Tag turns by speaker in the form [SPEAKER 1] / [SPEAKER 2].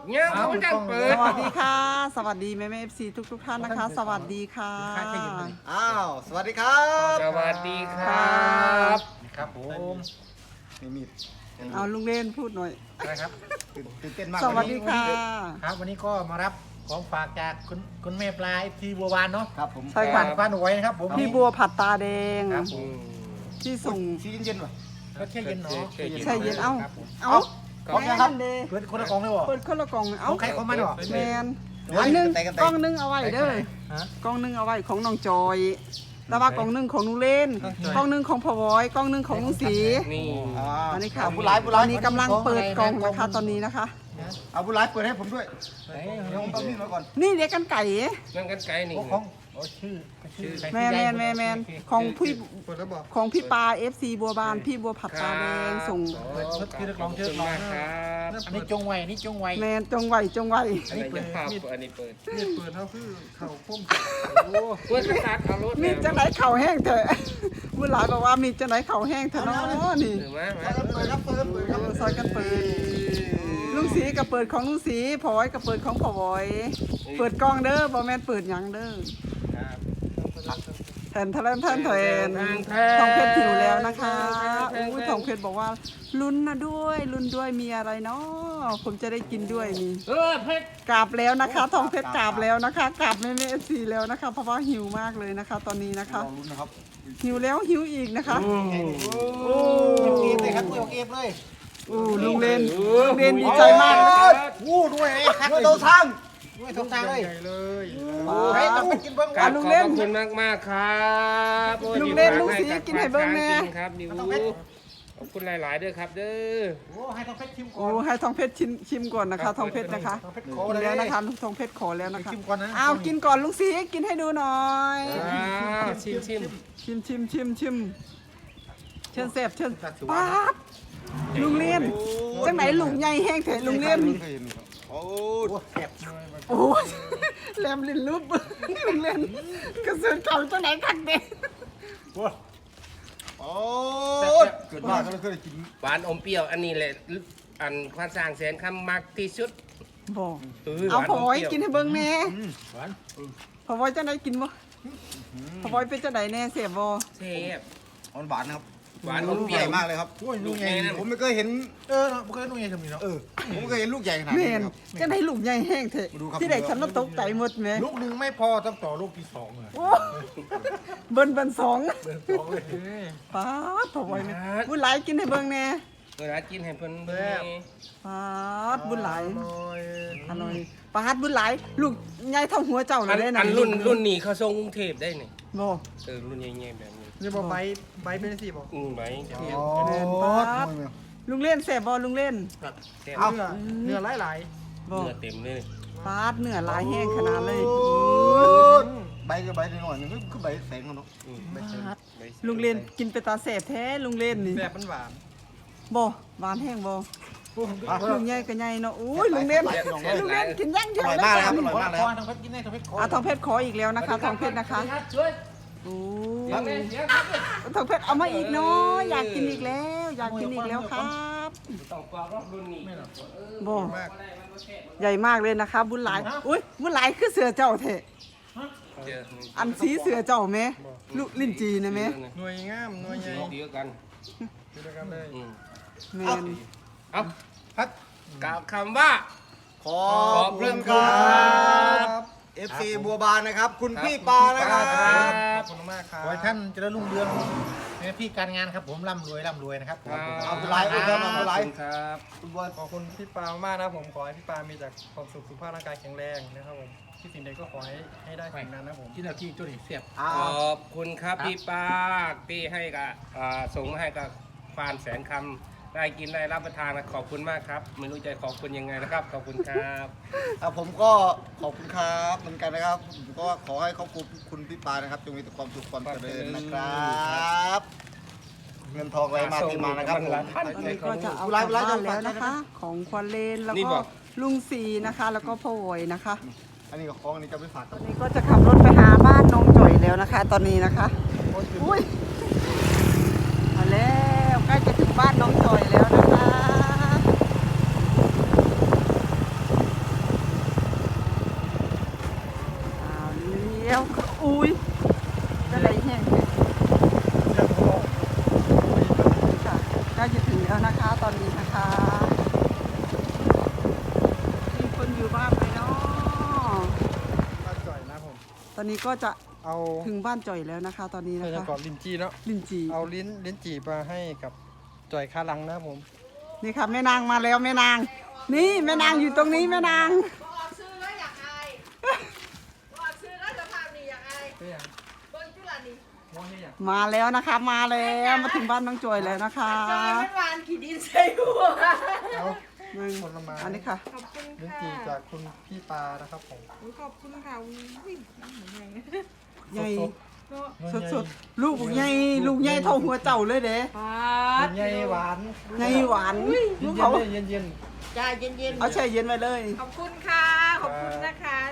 [SPEAKER 1] เนี่ยเขาจะเปิด
[SPEAKER 2] สวัสดีค่ะสวัสดีแม่FC ทุกท่านนะคะสวัสดีค่ะ
[SPEAKER 3] อ้าวสวัสดีครับ
[SPEAKER 1] สวัสดีครับ
[SPEAKER 4] ครับผม
[SPEAKER 3] มีมีด
[SPEAKER 2] เอาลุงเล่นพูดหน่อย
[SPEAKER 4] นะครับ
[SPEAKER 3] ตื่นเต้นมาก
[SPEAKER 2] สวัสดีค่ะ
[SPEAKER 4] ครับวันนี้ก็มารับของฝากจากคุณแม่ปลาที่บัววานเนาะ
[SPEAKER 3] ครับผม
[SPEAKER 2] ใช่ค่ะ
[SPEAKER 4] บ้านหน่วยนะครับผม
[SPEAKER 2] พี่บัวผัดตาแดง
[SPEAKER 4] ครับผม
[SPEAKER 2] ที่ส่ง
[SPEAKER 3] ชีเย็นๆว่ะ
[SPEAKER 4] ก็แค่เย็นเนาะ
[SPEAKER 2] ใช่เย็นเอ้า
[SPEAKER 4] ครับผม
[SPEAKER 2] เอ้า
[SPEAKER 3] ของยังครับ
[SPEAKER 2] แม่นเด้
[SPEAKER 4] เปิดคนละกล่องเลยบ่
[SPEAKER 2] เปิดคนละกล่องเอ้า
[SPEAKER 4] ของใครของมันเหรอ
[SPEAKER 2] แมน
[SPEAKER 3] เดี๋ยว
[SPEAKER 2] อันนึง
[SPEAKER 3] แต่กันแต่
[SPEAKER 2] กล่องนึงเอาไว้เด้อ
[SPEAKER 4] ฮะ
[SPEAKER 2] กล่องนึงเอาไว้ของน้องจอยแต่ว่ากล่องนึงของลุงเล่น
[SPEAKER 4] ของจอย
[SPEAKER 2] กล่องนึงของพ่อวอยกล่องนึงของลุงศรี
[SPEAKER 1] นี่
[SPEAKER 2] อันนี้ค่ะ
[SPEAKER 3] ผู้ร้ายผู้
[SPEAKER 2] ต
[SPEAKER 3] ร้า
[SPEAKER 2] อย นนี้กำลังเปิดกล่องนะคะตอนนี้นะคะ
[SPEAKER 3] เอาผู้ร้ายเปิดให้ผมด้วย
[SPEAKER 4] ไหน
[SPEAKER 3] เดี๋ยวผมต้องมีดมาก่อน
[SPEAKER 2] นี่เรียกกันไก่
[SPEAKER 1] นั่งกันไกลนี่
[SPEAKER 4] ของโอ้ชื่อ
[SPEAKER 2] แมนของพี่
[SPEAKER 3] เปิดแล้วบอก
[SPEAKER 2] ของพี่ปา FC บัวบานพี่บัวผัดตาแดงส่ง
[SPEAKER 1] ขอบคุณมากครับ
[SPEAKER 4] อันนี้จงไว้อันนี้จงไว้
[SPEAKER 2] แมนจงไหวจงไหว
[SPEAKER 1] อันนี้เปิดภาพอันนี้เปิด
[SPEAKER 3] มีดเปิดเขาคือเข่าพุ่ม
[SPEAKER 1] โอ้เปิดสตาร์ทเอารถ
[SPEAKER 2] มีจังไหนเข่าแห้งเถอะบุญหลายบอกว่ามีจังไหนเข่าแห้งเถอะเนาะนี่
[SPEAKER 1] หรือมา
[SPEAKER 3] เปิดครับเปิดครับ
[SPEAKER 2] ซอยกันเปิดลุงสีกับเปิดของลุงสีพอยกับเปิดของพอวอยเปิดกล้องเด้อบอแมนเปิดหยังเด้อแทนทองเพชรหิวแล้วนะคะอุ้ยทองเพชรบอกว่าลุ้นนะด้วยลุ้นด้วยมีอะไรเนาะผมจะได้กินด้วยนี่
[SPEAKER 1] เพชร
[SPEAKER 2] กราบแล้วนะคะทองเพชรกราบแล้วนะคะกราบแม่เอฟซีแล้วนะคะเพราะว่าหิวมากเลยนะคะ ตอนนี้นะคะ
[SPEAKER 3] ลองลุ้นนะครับ
[SPEAKER 2] หิวแล้วหิวอีกนะคะ
[SPEAKER 3] โอ้
[SPEAKER 4] เก็บเลยครับเก็บเลย
[SPEAKER 2] ลุงเล่นดีใจมากนะคะ
[SPEAKER 4] วู้ด้วยครับ
[SPEAKER 3] ด้วยโตทาง
[SPEAKER 4] ด้วยทุกทางเลย
[SPEAKER 3] เลย
[SPEAKER 4] โอ้ยต้องไปกินเบิ้ง
[SPEAKER 1] ขอบคุณมากครับครับนิวขอบคุณหลายๆด้วยครับเด้อ
[SPEAKER 4] โอ้ให้ต้องเพชรชิมก่อ
[SPEAKER 2] โอ้
[SPEAKER 4] น
[SPEAKER 2] ให้ทองเพชรชิมก่อนนะคะทองเพชรนะคะ
[SPEAKER 4] ต้องเพชร
[SPEAKER 2] กิ
[SPEAKER 4] ขอน เลย
[SPEAKER 2] แล้วนะคะทองเพชรขอแล้วนะคะ
[SPEAKER 4] ชิมก่อนนะ
[SPEAKER 2] เอากินก่อนลุงสีกินให้ดูหน่อย
[SPEAKER 1] ชิม
[SPEAKER 2] ชิมเชิญเสพเชิญป๊าบลุงเล่นจังไหนลุงใหญ่แห้งแท้ลุงเล่น
[SPEAKER 3] โอ้
[SPEAKER 4] โอ้แซ่บ
[SPEAKER 2] โอ้ยแหลมลิ้นลุบลุงเล่นกระสือเก่าจังไหนคักเด็ก
[SPEAKER 4] โอ้
[SPEAKER 3] โอ้เกิดมากก็เลยเคยกิน
[SPEAKER 1] หวานอมเปรี้ยวอันนี้แหละอันความสร้างแสนคำมักที่สุด
[SPEAKER 2] บอกเอาพอไว้กินให้เบิ่งแน่
[SPEAKER 4] หวาน
[SPEAKER 2] พอไว้จังไหนกินบ่พอไว้เป็นจังไหนแน่เสียบบ่
[SPEAKER 1] เทพ
[SPEAKER 3] หวานนะครับ
[SPEAKER 1] หวานอมเป
[SPEAKER 3] ให
[SPEAKER 1] รี้ย
[SPEAKER 3] ญ่
[SPEAKER 1] ว
[SPEAKER 3] มากเลยครับ
[SPEAKER 4] โอ้ยลูกใหญ่
[SPEAKER 3] ผมไม่เคยเห็น
[SPEAKER 4] เนาะไม่เคยนุ่งใหญ่ทำนี่เนาะ
[SPEAKER 3] ผมไม่เคยเห็นลูกใหญ่ขนาด
[SPEAKER 2] แม่
[SPEAKER 3] นี้
[SPEAKER 2] น
[SPEAKER 3] ครับ
[SPEAKER 2] จังไหนลูกใหญ่แห้งแท้
[SPEAKER 3] มาดูครับ
[SPEAKER 2] ที่ไหนฉันน่ะตกใจหมดแม่
[SPEAKER 4] ลูกหนึ่งไม่พอต้องต่อลูกที่สองเลย
[SPEAKER 2] โอ้เบิ่นสอง
[SPEAKER 4] เดินสองเลย
[SPEAKER 2] ป๊าดพอไว้แม่บุญหลายกินให้เบิ่งแน่
[SPEAKER 1] เวลากินให้เพิ่นเบิ่ง
[SPEAKER 2] ป๊าดบุญหลายอร่อยป๊าดบุญหลายลูกใหญ่เท่าหัวเจ้าเลยได้
[SPEAKER 1] อันรุ่นนี้เขาส่งกรุงเทพได้นี่
[SPEAKER 2] บ่
[SPEAKER 1] รุ่นใหญ่ๆแบบนี้
[SPEAKER 4] นี่บอกใบเป็นสิบอก
[SPEAKER 1] ไหม
[SPEAKER 3] อ๋อ
[SPEAKER 2] ลุงเล่นแซ่บบ่ลุงเล่น
[SPEAKER 4] เอาเนื้อหลาย
[SPEAKER 2] บ่
[SPEAKER 1] เนื้อเต็มเลย
[SPEAKER 2] ป๊าดเนื้อหลายแห้งขนาดเลย
[SPEAKER 3] ใบก็ใบหน่อยนึงคือใบแสงเนาะ
[SPEAKER 2] ลุงเล่นกินไปตาแซ่บแท้ลุงเล่นนี่
[SPEAKER 4] แบบมันหวาน
[SPEAKER 2] บ่หวานแห้งบ่ลุงใหญ่ก็ใหญ่เนาะอุ้ยลุงเล่นลุงเล่นกินย่างเดี
[SPEAKER 3] อ
[SPEAKER 2] ยว
[SPEAKER 3] ร่อย
[SPEAKER 2] เลย
[SPEAKER 3] มากเลยครับอร่อย
[SPEAKER 4] ขอ
[SPEAKER 3] มากเลย
[SPEAKER 4] ข
[SPEAKER 3] ค
[SPEAKER 4] อ
[SPEAKER 3] รับ
[SPEAKER 4] ทางเพชรกินได้ทางเพชรขอ
[SPEAKER 2] ทองเพชรขออีกแล้วนะคะทองเพชรนะคะ
[SPEAKER 1] ช่วย
[SPEAKER 2] โอ้
[SPEAKER 1] เดี๋ยวครับ
[SPEAKER 2] ทองเพชรเอามาอีกเนาะอยากกินอีกแล้ว อยากกินอีกแล้วครับ
[SPEAKER 1] ต้องกรอบรุ่นนี้
[SPEAKER 2] บ่ใหญ่มากเลยนะคะ บุญหลายอุ้ยบุญหลายคือเสือเจ้าเถอะอันสีเสือเจ้าแม่ลูกลิ้นจีนะแม่
[SPEAKER 4] หน่วยงามหน่วยใหญ่
[SPEAKER 1] เดียวกัน
[SPEAKER 4] ดูด้วยกันเลย
[SPEAKER 2] แม่น
[SPEAKER 1] เอาพัดกล่าวคำว่า
[SPEAKER 3] ขอบคุณครับ FC บัวบานนะครับ คุณพี่ปานะครับ
[SPEAKER 4] ขอบคุณมากครับขอให้ท่านเจริญรุ่งเรืองในหน้าที่การงานครับผมร่ำรวยนะครับ
[SPEAKER 3] เอาเป็นไรเอาเป็นไร
[SPEAKER 1] ครับ
[SPEAKER 3] คุณบัว
[SPEAKER 5] ขอบคุณพี่ปามากนะผมขอให้พี่ปามีแต่ความสุขสุขภาพร่างกายแข็งแรงนะครับผมที่สิ่งใดก็ขอให้ได้สิ่งนั้นนะผม
[SPEAKER 4] ที่เราที่ตัวนี้เสียบ
[SPEAKER 1] ขอบคุณครับพี่ปาที่ให้กับส่งมาให้กับฟานแสนคำได้กินได้รับประทานขอบคุณมากครับ ไม่รู้จะขอบคุณยังไงนะครับ ขอบคุณครับ
[SPEAKER 3] ผมก็ขอบคุณครับเหมือนกันนะครับผมก็ขอให้ครอบครัวคุณพี่ปานะครับจงมีแต่ความสุขความเจริญนะครับ เงินทองไหลมาเทมานะครับผม
[SPEAKER 2] ตอนนี้ก็จะเอากลับบ้านแล้วนะคะ ของควันเลนแล้วก็ลุงสีนะคะ แล้วก็พ่อโวยนะคะ
[SPEAKER 3] อันนี้ก็ของอันนี้จะไปฝาก
[SPEAKER 2] ต
[SPEAKER 3] กั
[SPEAKER 2] อบ นนี้ก็จะขับรถไปหาบ้านน้องจ่อยแล้วนะคะ ตอนนี้นะคะอุ้ยมาแล้วใกล้จะถึงบ้านน้องจ่อยแล้วนะคะตอนนี้ก็จะ
[SPEAKER 5] เอา
[SPEAKER 2] ถึงบ้านจ่อยแล้วนะคะ ตอนนี้
[SPEAKER 5] ใส่
[SPEAKER 2] นะ
[SPEAKER 5] จะ
[SPEAKER 2] คะ
[SPEAKER 5] กรอบลิ้นจี่เนาะ
[SPEAKER 2] ลินจี
[SPEAKER 5] เอาลิ้นจี่มาให้กับจ่อยคาลังนะครับผม
[SPEAKER 2] นี่ค่ะแม่นางมาแล้วแม่นาง นี่แม่นางอยู่ตรงนี้แม่นาง
[SPEAKER 6] บอกซื้อแล้วอยากอายบอกซื้อแล้วสภาพนี่อยากอาย
[SPEAKER 5] เฮ้ยอ่ะ
[SPEAKER 6] เบิ้งจุฬานี่
[SPEAKER 5] มองเฮ้ยอ่ะ
[SPEAKER 2] มาแล้วนะคะ มาแล้วมาถึงบ้านน้องจอยแล้วนะคะ
[SPEAKER 6] จอยมันหวานขี้ดินใส่หัว
[SPEAKER 5] เอา
[SPEAKER 2] หนึ่ง
[SPEAKER 5] ผลไม้
[SPEAKER 2] อันนี้ค่ะ
[SPEAKER 6] ขอบคุณ
[SPEAKER 5] ลิ้น
[SPEAKER 6] ค่ะ
[SPEAKER 5] จี่จากคุณพี่ปานะครับผม
[SPEAKER 6] ขอบคุณค่ะอุ้ยน้ำเหมือนไง
[SPEAKER 2] ใหญ่
[SPEAKER 5] สด
[SPEAKER 2] สดๆลูกใหญ่ลูกใหญ่เท่าหัวเจ้าเลยเด้
[SPEAKER 6] ปา
[SPEAKER 5] ๆ
[SPEAKER 6] ด
[SPEAKER 5] ใหญ่หวาน
[SPEAKER 2] ใหญ่หวานลูก
[SPEAKER 5] เย็
[SPEAKER 2] เขา
[SPEAKER 5] นๆเย็น
[SPEAKER 6] ใจเย็น
[SPEAKER 2] เอาแช่เย็นไว้เลย
[SPEAKER 6] ๆขอบคุณค่ะ ขอบคุณนะคะ